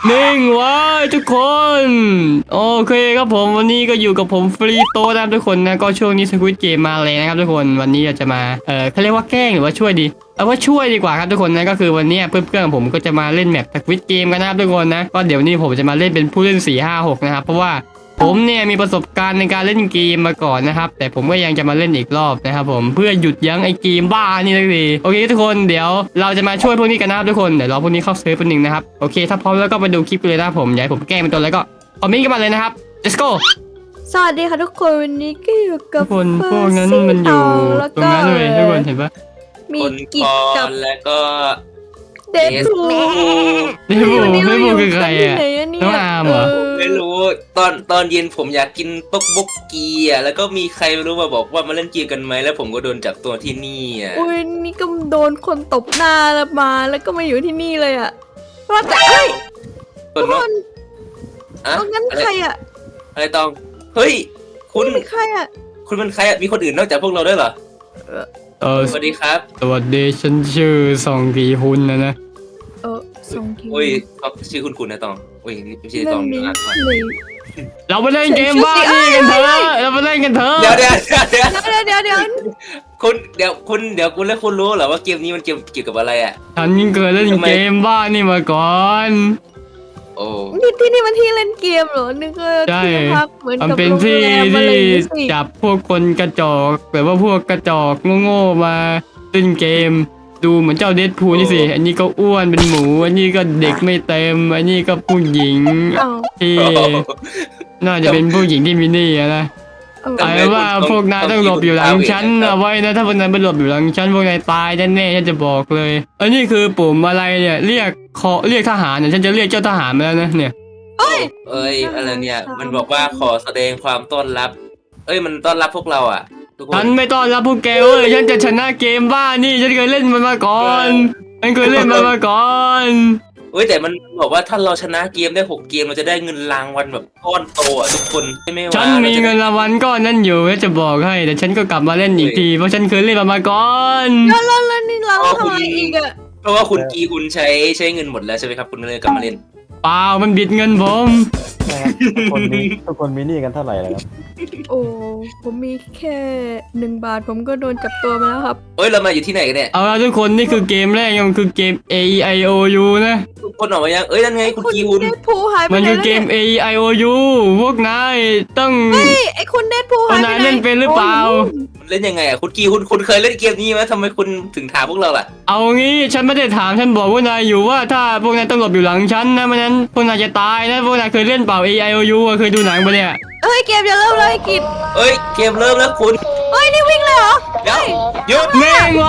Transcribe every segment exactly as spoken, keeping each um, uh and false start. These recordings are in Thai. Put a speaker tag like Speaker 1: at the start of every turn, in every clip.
Speaker 1: นิ่งไว้ทุกคนโอเคครับผมวันนี้ก็อยู่กับผมฟรีโต้นะครับทุกคนนะก็ช่วงนี้สควิดเกมมาเลยนะครับทุกคนวันนี้เราจะมาเออเขาเรียกว่าแกล้งหรือว่าช่วยดีเอาว่าช่วยดีกว่าครับทุกคนนะก็คือวันนี้เพื่อนๆผมก็จะมาเล่นแมปสควิดเกมกันนะครับทุกคนนะก็เดี๋ยวนี้ผมจะมาเล่นเป็นผู้เล่นสี่ห้าหกนะครับเพราะว่าผมเนี่ยมีประสบการณ์ในการเล่นเกมมาก่อนนะครับแต่ผมก็ยังจะมาเล่นอีกรอบนะครับผมเพื่อหยุดยั้งไอ้เกมบ้านี่สักทีโอเคทุกคนเดี๋ยวเราจะมาช่วยพวกนี้กันนะครับทุกคนเดี๋ยวรอพวกนี้เข้าเซิร์ฟแป๊บนึงนะครับโอเคถ้าพร้อมแล้วก็มาดูคลิปกันเลยนะครับผมอยากให้ผมแกล้งเป็นตัวอะไรก็คอมเมนต์กันมาเลยนะครับ let's go
Speaker 2: สวัสดีค่ะทุกคนวันนี้ก็อยู่
Speaker 1: ทุ
Speaker 2: กับ
Speaker 1: กคน
Speaker 2: เฟิ
Speaker 1: พวก
Speaker 2: ร์
Speaker 1: นั้น
Speaker 2: ซี่
Speaker 1: มันอยู่
Speaker 2: ทองแล้ว
Speaker 1: ตรง
Speaker 2: ก็
Speaker 1: นั้นเลยทุกคนเห็นปะ
Speaker 2: มี
Speaker 3: คน
Speaker 2: กิ
Speaker 3: ค
Speaker 2: จ
Speaker 3: อ
Speaker 2: กับ
Speaker 3: นแล้วก็
Speaker 2: เดดพู
Speaker 1: นี่บูนี่บูคือใครอ่ะ
Speaker 2: ที่ไหน
Speaker 1: น้องอาร์มเหรอ
Speaker 3: ไม่รู้ตอนตอนเย็นผมอยากกินต๊อกบกกีอ่ะแล้วก็มีใครไม่รู้มาบอกว่ามาเล่นเกมกันไหมแล้วผมก็โดนจับตัวที่นี่อ่ะ
Speaker 2: อุ้ยนี่ก็โดนคนตบหน้าแล้วมาแล้วก็มาอยู่ที่นี่เลยอ่ะว่าแต่เอ้ย
Speaker 3: ค
Speaker 2: ทุ
Speaker 3: น
Speaker 2: กค
Speaker 3: เนาะ
Speaker 2: น
Speaker 3: อะ
Speaker 2: เอางั้น
Speaker 3: อะไร
Speaker 2: ใครอ่ะ
Speaker 3: อะไรตองเฮ้ยคุณ
Speaker 2: นี่เป็นใครอ่ะ
Speaker 3: คุณเป็นใครอ่ะมีคนอื่นนอกจากพวกเราด้วยเหรอ
Speaker 1: เออ
Speaker 3: สวัสดีครับ
Speaker 1: สวัสดีฉันชื่อซองกีฮุนนะนะ
Speaker 2: เออสองคิว
Speaker 3: โอ้ยเขาชื่อคุณคุณนะตองโอ้ยไม่ใช่ตอง
Speaker 2: นี้
Speaker 3: นะ
Speaker 2: เลย
Speaker 1: เราไปเล่นเกมบ้านี่กันเถอะเราไปเล่นกันเถอะ
Speaker 3: เดี๋ยวเดี๋ยวเดี๋ยว
Speaker 2: เดี๋ยวเดี๋ยวเดี๋ยว
Speaker 3: คุณเดี๋ยวคุณเดี๋ยวคุณแล้วคุณรู้เหรอว่าเกมนี้มันเกมเกี่ยวกับอะไรอ่ะ
Speaker 1: ฉันเคยเล่นเกมบ้านี่มาก่อน
Speaker 3: โอ้
Speaker 2: นี่ที่นี่มันที่เล่นเกมเหรอนึกว่า
Speaker 1: ใช่
Speaker 2: ที่พักเหมือน
Speaker 1: มัน
Speaker 2: กับ
Speaker 1: เป็น
Speaker 2: โรง
Speaker 1: ที่
Speaker 2: แรมอะไร
Speaker 1: ที่
Speaker 2: อย่างงี้สิ
Speaker 1: จับพวกคนกระจอกหรือว่าพวกกระจอกโง่ๆมาเล่นเกม ดูเหมือนเจ้าเดดพูลนี่สิอันนี้ก็อ้วนเป็นหมูอันนี้ก็เด็กไม่เต็มอันนี้ก็ผู้หญิง
Speaker 2: อ้าว
Speaker 1: ที่น่าจะเป็นผู้หญิงที่มินี่อะนะ
Speaker 2: เออ
Speaker 1: ไอ้ว่าพวกนายต้องหลบอยู่หลังฉันเอาไว้นะถ้าพวกนายไปหลบอยู่หลังฉันพวกนายตายแน่ๆฉันจะบอกเลย อันนี้คือปุ่มอะไรเนี่ยเรียกขอเรียกทหารเนี่ยฉันจะเรียกเจ้าทหารมาแล้วนะเนี่ย
Speaker 2: เอ้ย
Speaker 3: เอ้ยอะไรเนี่ยมันบอกว่าขอแสดงความต้อนรับ เอ้ยมันต้อนรับพวกเราอ่ะทุกค
Speaker 1: ฉั
Speaker 3: น
Speaker 1: นไม่ต้อนรับพวกแกเว้ยฉันจะชนะเกมบ้านี่ฉันเคยเล่นมันมาก่อนฉันเคยเล่นมันมาก่อน
Speaker 3: เอ้ยแต่มันบอกว่าถ้าเราชนะเกมได้หกเกมเราจะได้เงินรางวัลแบบก้อนโตอ่ะทุกคนใช่ไหมวะ
Speaker 1: ฉันมีเงินรางวัลก้อนนั้นอยู่แล้วจะบอกให้แต่ฉันก็กลับมาเล่นอีกทีเพราะฉันเคยเล่นมันมาก่อน
Speaker 2: แล้วแล้วแล้วนี่เราทำอะไรอีกอะ
Speaker 3: เพราะว่าคุณกีคุณใช้ใช้เงินหมดแล้วใช่ไหมครับคุณเลยกลับมาเล่น
Speaker 1: เปล่ามันบิดเงินผม
Speaker 4: นะครับทุกคนมีทุกคนมีหนี้กันเท่าไหร่แล้วครับ
Speaker 2: โอ้ผมมีแค่หนึ่งบาทผมก็โดนจับตัวมาแล้วครับ
Speaker 3: เอ้ยเรามาอยู่ที่ไหนกันเนี่ย
Speaker 1: เอาละทุกคนนี่คือเกมแรกยังคือเกม A E I O U นะ
Speaker 3: ทุกคนออกมายังเอ้ยนั่นไงคุณกีคุณ
Speaker 2: เดดพูหายไป
Speaker 1: มัน
Speaker 2: ไหน
Speaker 1: คือ
Speaker 2: แล้ว
Speaker 1: เก
Speaker 2: เนี่ย
Speaker 1: ม A E I O U พวกนายต้อง
Speaker 2: เฮ้ยไอคุณเดดพูหายไป
Speaker 1: เอานาย
Speaker 2: ไหน
Speaker 1: เล่นเป็นหรือเปล่า
Speaker 3: เล่นยังไงอ่ะคุณกีคุณคุณเคยเล่นเกมนี้ไหมทำไมคุณถึงถามพวกเราล่ะ
Speaker 1: เอางี้ฉันไม่ได้ถามฉันบอกพวกนายอยู่ว่าถ้าพวกนายต้องหลบอยู่หลังฉันนะไม่งั้นพวกนายจะตายนะพวกนายเคยเล่นเปล่า A E I O U อะเคยดูหนังปะเนี่ย
Speaker 2: เฮ้ยเกมจะเริ่มแล้วไอ้กิจ
Speaker 3: เอ้ยเกมเริ่มแล้วคุณ
Speaker 2: เฮ้ยนี่วิ่งเลยเหรอ
Speaker 3: เดี๋ยวหยุด
Speaker 1: แม่งไว้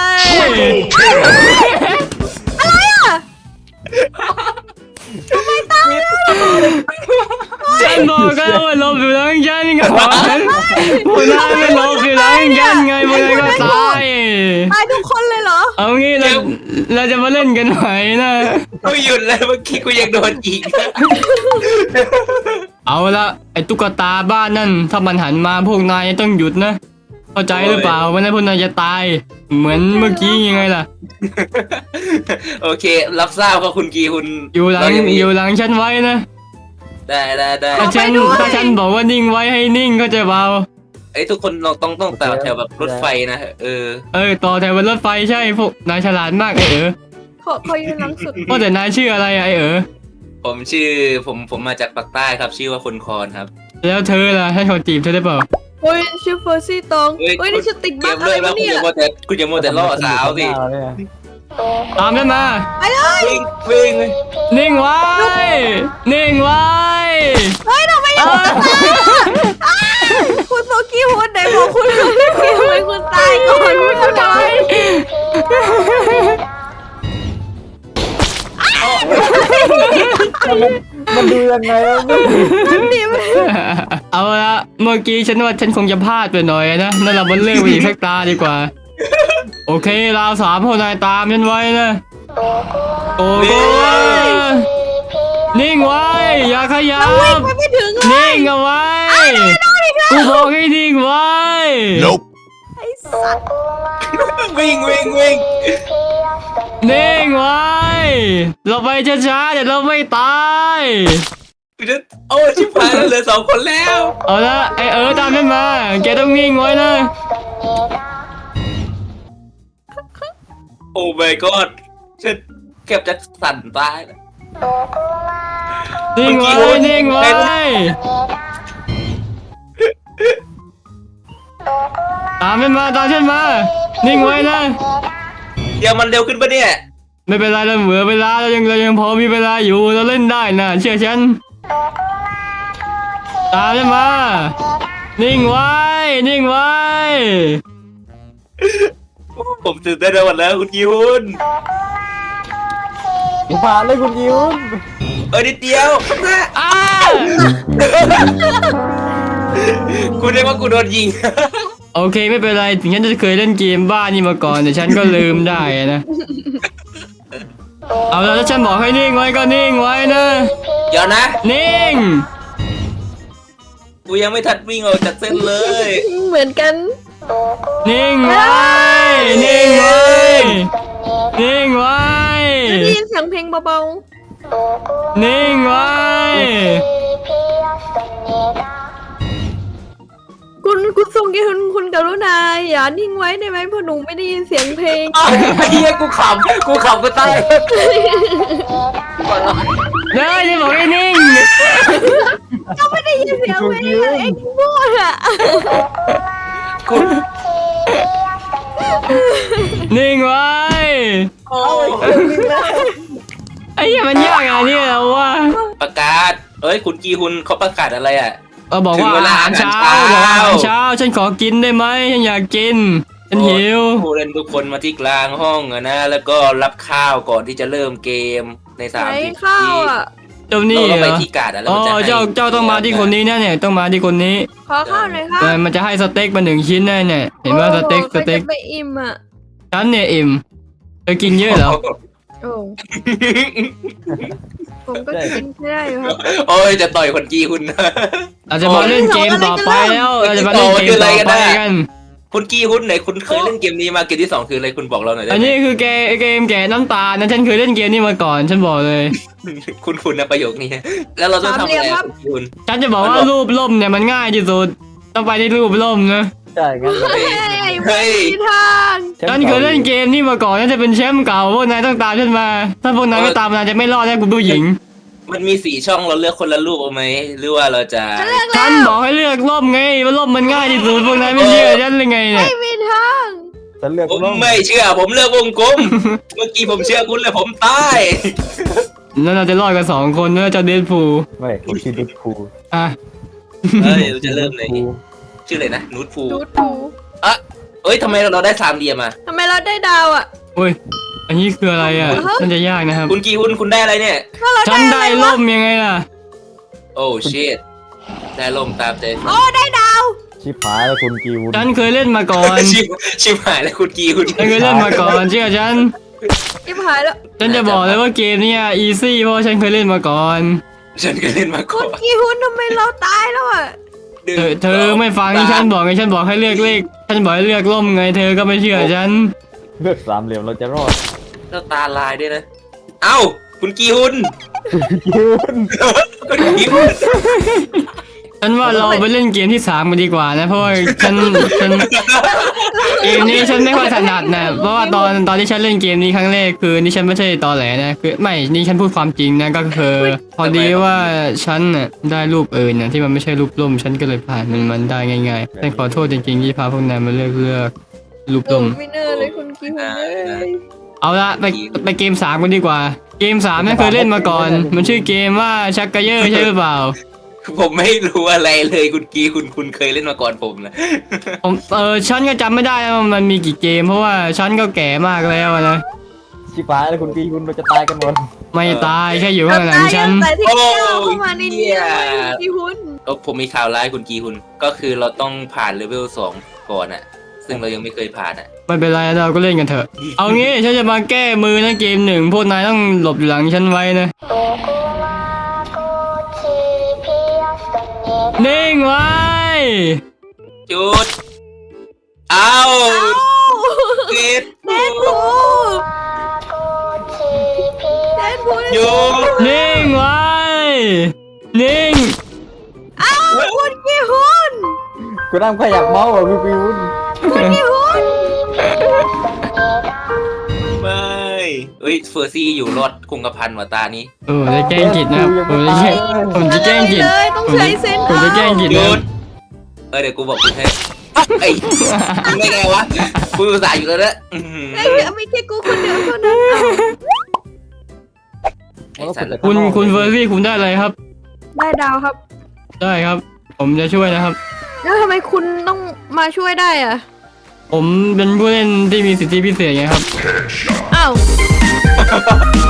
Speaker 2: อะไรอ่ะ
Speaker 1: ฉันบอกแล้วว่าหลบอยู่หลังฉันก่อนพวกนายไม่หลบอยู่หลังฉันไงพวกนายก็ตาย
Speaker 2: ตายทุกคนเลยเหรอ
Speaker 1: เอางี้เราเราจะมาเล่นกันไหมนะ
Speaker 3: กูหยุดแล้วเมื่อกี้กูยังโดนอีก
Speaker 1: เอาละไอ้ตุ๊กตาบ้านนั่นถ้ามันหันมาพวกนายต้องหยุดนะเข้าใจหรือเปล่าไม่งั้นพวกนายจะตาย เหมือนเมื่อกี้ยังไงล่ะ
Speaker 3: โอเครับทราบว่าคุณกีคุณ
Speaker 1: อยู่หลัง
Speaker 3: เรายังมี
Speaker 1: อยู่หลังฉันไว้นะ
Speaker 3: ได้ได้ได้
Speaker 1: ถ้าฉัน
Speaker 2: เอาไปด้วย
Speaker 1: ถ้าฉันบอกว่านิ่งไว้ให้นิ่งเข้าใจเปล่า
Speaker 3: ไอ้ยทุกคนเราต้องต้องต่อแถวแบบรถไฟนะเออ
Speaker 1: เอ้ยต่อแถวบนรถไฟใช่พวกนายฉลาดมากไอ้เออ
Speaker 2: ขอขอยืนหลังสุด
Speaker 1: ว่าแต่นายชื่ออะไรอะไอ้เออ
Speaker 3: ผมชื่อผมผมมาจากปากใต้ครับ ชื่อว่าคนคอนครับ
Speaker 1: แล้วเธอล่ะให้เขาจีบเธอได้เปล่า
Speaker 2: โอ้ยชื่อเฟอร์ซี่ตองเฮ้ยนี่ชื่อติด
Speaker 3: เก
Speaker 2: บั๊ก
Speaker 3: ม
Speaker 2: อะไร
Speaker 3: เริ่มแล้ว
Speaker 2: วะ
Speaker 3: คุณ
Speaker 2: เนี่
Speaker 3: อย ย่ามัวแต่คุณอย่ามัวแต่ล่อสาวสิ
Speaker 4: หน้เนี่ย
Speaker 1: ตามฉันมา
Speaker 2: ไปเลย
Speaker 3: วิ่งวิ่ง
Speaker 1: นิ่งไว้ นิ่งไว้
Speaker 2: เฮ้ยทำไมยังไม่ตายอ่ะคุณโซกี้พูดไหนบอกคุณเล่นเกมให้คุณตายก่อนคุณทำไม
Speaker 4: มันดูยังไงวะ
Speaker 2: มันดีไหม
Speaker 1: เอาละเมื่อกี้ฉันว่าฉันคงจะพลาดไปหน่อยนะนั่นเราบนเรื่องไปอีกสักตาดีกว่า โอเคเราสามคนนายตามฉันไว้นะโอ้โหนิ่งไว้ อย่าขยับ
Speaker 2: วิ่งไปไม่ถึงเลย
Speaker 1: นิ่งเอาไว้กูบอกให้นิ่งไว้
Speaker 2: ไอ้สัตว์
Speaker 3: วิ่งวิ่งวิ่ง
Speaker 1: นิ่งไว้เราไปช้าๆเดี๋ยวเราไม่ตาย
Speaker 3: โอ้ชิบหายแล้วเหลือสองคนแล้ว
Speaker 1: เอาละไอเออตามฉันมาแกต้องนิ่งไว้นะ
Speaker 3: โอ้ my god ฉันเก็บจะสั่นตายแล้ว
Speaker 1: นิ่งไว้นิ่งไว้ตามฉันมาตามฉันมานิ่งไว้นะ
Speaker 3: เดี๋ยวมันเร็วขึ้นปะเนี่ย
Speaker 1: ไม่เป็นไรเราเหลือเวลาเรายังเรายังพอมีเวลาอยู่เราเล่นได้นะเชื่อฉันตามฉันมานิ่งไว้นิ่งไว้
Speaker 3: ผมตื่นเต้นไปหมดแล้วคุณกิวน์
Speaker 4: ผ่านเลยคุณยิว
Speaker 3: เออนิดเดียว
Speaker 1: อ้า
Speaker 3: คุณเรียกว่ากูโดนยิง
Speaker 1: โอเคไม่เป็นไรถึงฉันจะเคยเล่นเกมบ้านี่มาก่อนแต่ฉันก็ลืมได้นะเอาแล้วถ้าฉันบอกให้นิ่งไว้ก็นิ่งไว้นะ
Speaker 3: เดี๋ยวนะ
Speaker 1: นิ่ง
Speaker 3: กูยังไม่ทัดวิ่งออกจากเส้นเลย
Speaker 2: เหมือนกัน
Speaker 1: นิ่งไว้นิ่งไว้นิ่งไว้
Speaker 2: ได้ยินเสียงเพลงเบา
Speaker 1: นิ่งไว้
Speaker 2: ๆคุณคุณทรงเกียรติคุณกรุณาอย่านิ่งไว้ได้ไหมเพราะหนูไม่ได้ยินเสียงเพลง
Speaker 3: อ้าวไอ้เหี้ยกูขำกูขำกูตาย
Speaker 1: เด้อจะบอกให้นิ่ง
Speaker 2: ก็ไม่ได้ยินเสียงเพลงอะเอ็งมั่วอะ
Speaker 3: กู
Speaker 1: นิ่งไว้
Speaker 3: โอ้
Speaker 1: ไอ้เหี้ยมันยากอ่ะเนี่ยเราว่า
Speaker 3: ประกาศเอ้ยคุณกีฮุนเขาประกาศอะไรอ่ะ
Speaker 1: เออบอก
Speaker 3: ถึ
Speaker 1: ว่าง
Speaker 3: เวลา
Speaker 1: อาหารเช้า
Speaker 3: อาหารเช้า
Speaker 1: บอกว่าอาหารเช้าฉันขอกินได้ไหมฉันอยากกินฉันหิว
Speaker 3: ผู้เล่นทุกคนมาที่กลางห้องอะนะแล้วก็รับข้าวก่อนที่จะเริ่มเกมในสาม
Speaker 2: ไหน
Speaker 3: สิบ
Speaker 2: ข้าว
Speaker 3: ที
Speaker 2: อ่ะ
Speaker 1: เจ้า
Speaker 3: เรา
Speaker 1: นี่
Speaker 3: ต้อง
Speaker 1: เห
Speaker 3: ไป
Speaker 1: รอ
Speaker 3: ที่การ์ดอะแล้ว
Speaker 1: อ๋อ
Speaker 3: มันจะให้
Speaker 1: เจ้าเจ้าต้องมาที่คนนี้นะเนี่ยต้องมาที่คนนี้
Speaker 2: ขอข้าวหน่อยครับ
Speaker 1: เออมันจะให้สเต็กมาหนึ่งชิ้นแน่เนี่ยเห็นว่าสเต็ก
Speaker 2: โอ้โห
Speaker 1: สเต็ก
Speaker 2: ใครจะไปอิ่มอ่ะ
Speaker 1: ฉันเนี่ยอิ่มเธอกินเยอะเหรอ
Speaker 2: โอ้ผมก็กินไม่ได้อยู่ครับ
Speaker 3: โอ้ยจะต่อยคนกีฮุน
Speaker 1: เราจะมาเล่นเกมต่อไปแล้วเราจะมาเล่นเกมต่อไปกัน
Speaker 3: คุณกีฮุนไหนคุณเคยเล่นเกมนี้มาเกมที่สองคืออะไรคุณบอกเราหน่อยได้
Speaker 1: อัน
Speaker 3: ไหม
Speaker 1: นี้คือเกมเกมแกะน้ำตาลนะฉันเคยเล่นเกมนี้มาก่อนฉันบอกเลย
Speaker 3: คุณคุณนะประโยคนี้แล้วเราต้องทำอะไรอะคุณกีฮุน
Speaker 1: ฉันจะบอกว่ารูปล่มเนี่ยมันง่ายที่สุดต้องไปที่รูปล่มนะ
Speaker 4: ใช่งั้น
Speaker 2: เฮ้ย
Speaker 3: เฮ้ย
Speaker 2: ไม่มีทาง
Speaker 1: ฉันเคยเล่นเกมนี้มาก่อนฉันจะเป็นแชมป์เก่าพวกนายต้องตามฉันมา ถ้าพวกนายไม่ตามนายจะไม่รอดแน่คุณผู้หญิง
Speaker 3: มันมีสี่ช่องเราเลือกคนละรูปเอาไหมหรือว่าเราจะ
Speaker 2: ฉันเลือก
Speaker 1: ฉั
Speaker 2: แล้
Speaker 1: น
Speaker 2: ว
Speaker 1: บอกให้เลือกล่มไงว่าล่มมันง่ายที่สุดพวกนายไม่เชื่อฉันเลยไงเนี่ย
Speaker 2: ไม่มีทาง
Speaker 4: ฉันเลือก
Speaker 3: ผม
Speaker 4: ร่ม
Speaker 3: ไม่เชื่อผมเลือกวงกลม เมื่อกี้ผมเชื่อคุณเลยผมตาย
Speaker 1: แล้วเราจะรอดกันสองคนนะเจ้าเดดพูล
Speaker 4: ไม่ผมชื่อดิคู
Speaker 1: อ่ะ
Speaker 3: เฮ้ยเราจะเริ่มเลยชื่ออะไรนะนูดฟู
Speaker 2: ดูดู
Speaker 3: อ่ะเอ้ยทำไมเราได้สามเหลี่ยมอ่ะ
Speaker 2: ทำไมเราได้ดาวอ่ะ
Speaker 1: อุ้ยอันนี้คืออะไรอ่ะน่าจะยากนะครับ
Speaker 3: คุณกีฮุนคุณได้อะไรเนี่ย
Speaker 2: ถ้าเรา
Speaker 1: ฉัน
Speaker 2: ได้
Speaker 1: ได้
Speaker 2: อะไรวะ
Speaker 1: ล่มยังไงล่ะ
Speaker 3: โอ้ชิตได้ลมตามใจ
Speaker 2: โอ้ได้ดาว
Speaker 4: ชิบหายแล้วคุณกีวุน
Speaker 1: ฉันเคยเล่นมาก่อน
Speaker 3: ชิบชิบหายแล้วคุณกีฮุน
Speaker 1: ฉันเคยเล่นมาก่อนเชื่อฉัน
Speaker 2: ชิบหายแล้ว
Speaker 1: ฉันจะบอกเลยว่าเกมเนี้อีซี่เพราะว่าฉันเคยเล่นมาก่อน
Speaker 3: ฉันก็เล่นมา
Speaker 2: คุ
Speaker 3: ก่อ
Speaker 2: ณ
Speaker 3: น
Speaker 2: กีฮุนทำไมเราตายแล้วอ่ะ
Speaker 3: หนึ่ง
Speaker 1: เธอเธอไม่ฟังที่ฉันบอกไงฉันบอกให้เลือกเลขฉันบอกให้เลือกล่มไงเธอก็ไม่เชื่อฉัน
Speaker 4: เลือกสามเหลี่ยมเราจะรอด
Speaker 3: แล้วตาลายด้วยนะ เอ้าคุณกีฮุน
Speaker 4: กีวุน
Speaker 3: คุณกีฮุน
Speaker 1: ฉันว่าเราไปเล่นเกมที่สามกันดีกว่านะเพราะว่าฉันฉันเกมนี้ฉันไม่ค่อยถนัดนะเพราะว่าตอนตอนที่ฉันเล่นเกมนี้ครั้งแรกคือนี่ฉันไม่ใช่ตอแหลนะคือไม่นี่ฉันพูดความจริงนะก็คือพอดีว่าฉันน่ะได้รูปอื่นน่ะที่มันไม่ใช่รูปล่มฉันก็เลยผ่านมันมันได้ง่ายๆฉันขอโทษจริงๆที่พาพวกนายมาเลือกเลือกรูป
Speaker 2: โอ้
Speaker 1: ล่ม
Speaker 2: ไม่เนอเลยคุณกีฮุนเลย
Speaker 1: เอาละไปไปเกมสามกันดีกว่า เกมสามไม่เคยเล่นมาก่อน มันชื่อเกมว่าชักกะเยอร์ใช่หรือเปล่า
Speaker 3: ผมไม่รู้อะไรเลยคุณกีคุณคุณเคยเล่นมาก่อนผมนะ
Speaker 1: ผมเออฉันก็จำไม่ได้ว่ามันมีกี่เกม เพราะว่าฉันก็แก่มากแล้วนะ
Speaker 4: ชิบหายแล้วคุณกีวุนเราจะตายกันหมด
Speaker 1: ไม่ตายแค่อยู่ข้างหลังฉัน
Speaker 2: แต่ที่เจ้าเข้ามาในนี้เลยคุณกีฮุน
Speaker 3: ก็ผมมีข่าวร้ายคุณกีคุณก็คือเราต้องผ่านเลเวลสองก่อนอะซึ่งเรายังไม่เคยผ่านอะ
Speaker 1: ไม่เป็นไรเราก็เล่นกันเถอะ เอางี้ฉันจะมาแก้มือนะเกมหนึ่งพวกนายต้องหลบอยู่หลังฉันไว้นะนิ่งไว้
Speaker 3: จุด เอา
Speaker 2: เอ้า
Speaker 3: เกต
Speaker 2: เด็ดพู
Speaker 1: นิ่ง
Speaker 2: อ้าวคุณกี่หุ้น
Speaker 4: กูนั่งขยับเมาส์อ่ะพี่พิว
Speaker 2: คุณกี่หุ้น
Speaker 3: ไม่เอ้ยเฟอร์ซี่อยู่รอดคงกระพันว่ะตานี้
Speaker 1: เออจะแกล้งกิดนะครับผมจะแกล้งผมจะแกล้งกิด
Speaker 2: เลยต้องใช้เซน
Speaker 1: ผมจะแกล้งกิด
Speaker 3: หยุ
Speaker 1: นะ
Speaker 3: ดเออเดี๋ยวกูบอกคุณให้ไอ้ไม่ไงวะกูอุตส่าห์อยู่แล้วนะอื้อหือ
Speaker 2: ไอ้ยไม่ใช่กูคนเดียวเท่านั้นอ้าว
Speaker 3: ไอ้สัตว์
Speaker 1: คุณคุณเฟอร์ซี่คุณได้อะไรครับ
Speaker 2: ได้ดาวครับ
Speaker 1: ได้ครับ ผมจะช่วยนะครับ
Speaker 2: แล้วทำไมคุณต้องมาช่วยได้อ่ะ
Speaker 1: ผมเป็นผู้เล่นที่มีสิทธิพิเศษไงครับ
Speaker 2: อ้าว